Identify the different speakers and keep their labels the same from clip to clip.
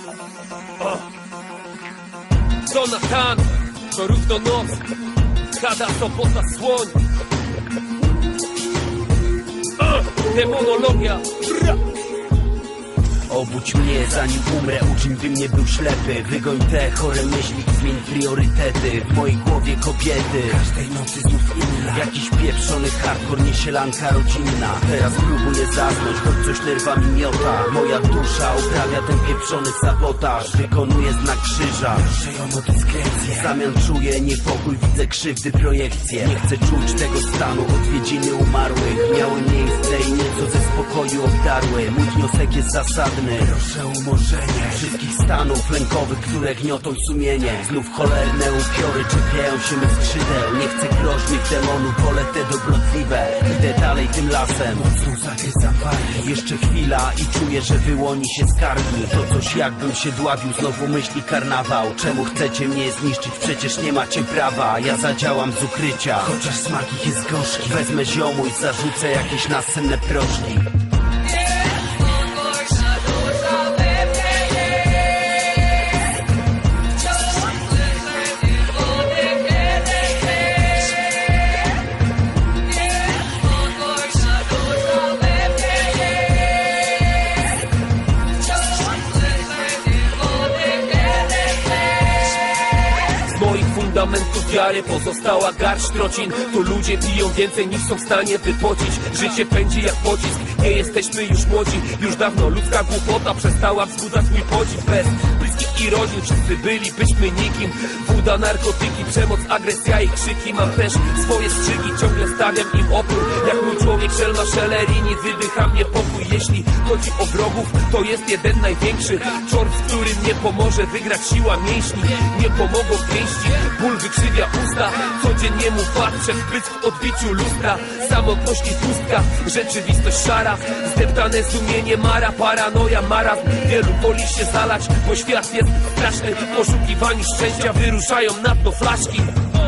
Speaker 1: Jonathan, to równo noc, Kada, sobota, słoń. Demonologia.
Speaker 2: Obudź mnie zanim umrę, uczyń bym nie był ślepy. Wygoń te chore myśli, zmień priorytety. W mojej głowie kobiety, każdej nocy znów inna. Jakiś pieprzony hardcore, niesielanka rodzinna. Teraz próbuję zasnąć, choć coś nerwami miota. Moja dusza uprawia ten pieprzony sabotaż. Wykonuję znak krzyża, proszę ją o dyskrecję. W zamian czuję niepokój, widzę krzywdy, projekcje. Nie chcę czuć tego stanu, odwiedziny umarłych miały miejsce i nieco ze spokoju obdarły. Mój wniosek jest zasadny, proszę o umorzenie wszystkich stanów lękowych, które gniotą sumienie. Znów cholerne upiory czepiają się mych skrzydeł. Nie chcę groźnych demonów, wolę te dobrotliwe. Idę dalej tym lasem, mocno zagryzam wargi. Jeszcze chwila i czuję, że wyłoni się z kargi. To coś jakbym się dławił, znowu myśli karnawał. Czemu chcecie mnie zniszczyć? Przecież nie macie prawa. Ja zadziałam z ukrycia, chociaż smak ich jest gorzki. Wezmę ziomu i zarzucę jakieś nasenne proszki.
Speaker 1: Fundamentów wiary pozostała garść trocin. Tu ludzie piją więcej niż są w stanie wypocić. Życie pędzi jak pocisk, nie jesteśmy już młodzi. Już dawno ludzka głupota przestała wzbudzać mój podziw. Bez bliskich i rodzin wszyscy bylibyśmy nikim. Woda, narkotyki, przemoc, agresja i krzyki. Mam też swoje strzygi, ciągle stawiam im opór. Jak mój człowiek szelma szelerini, wydycha mnie pokój. Jeśli chodzi o wrogów, to jest jeden największy czort, z którym nie pomoże wygrać siła mięśni. Nie pomogą pięści, ból wykrzywia usta. Codziennie mu patrzę w pysk w odbiciu lustra. Samotność i pustka, rzeczywistość szara. Zdeptane sumienie, mara, paranoja, marazm. Wielu woli się zalać, bo świat jest straszny. W poszukiwaniu szczęścia wyruszają na dno flaszki.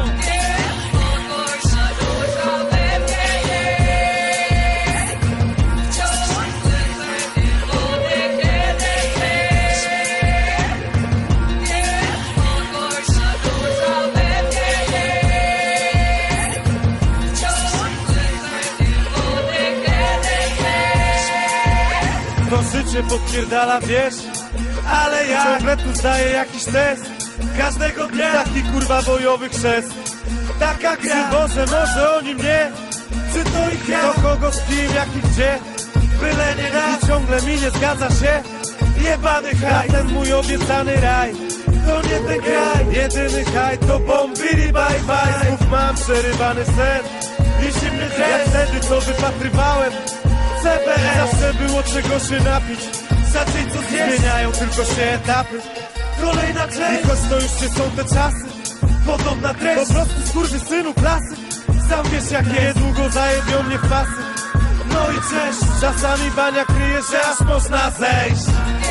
Speaker 3: To życie podpierdala, wiesz, ale ja ciągle tu zdaję jakiś test. Każdego dnia taki kurwa bojowy chrzest. Taka gra, Boże, może oni mnie. Czy to ich ja? Do kogo, z kim, jak i gdzie? Byle nie raz. I ciągle mi nie zgadza się. Jebany haj, ten mój obiecany raj. To nie ten kraj, jedyny haj to bombili bye bye. Znów mam przerywany sen i zimny dres. Jak wtedy co wypatrywałem CBS. Zawsze było czego się napić, zacząć co zjeść. Zmieniają tylko się etapy, kolejna część. I choć to już nie są te czasy, podobna treść. Po prostu skurwysynu klasy. Sam wiesz jak jest, długo zajebią mnie w pasy. No i cześć, czasami bania kryje, że aż można zejść.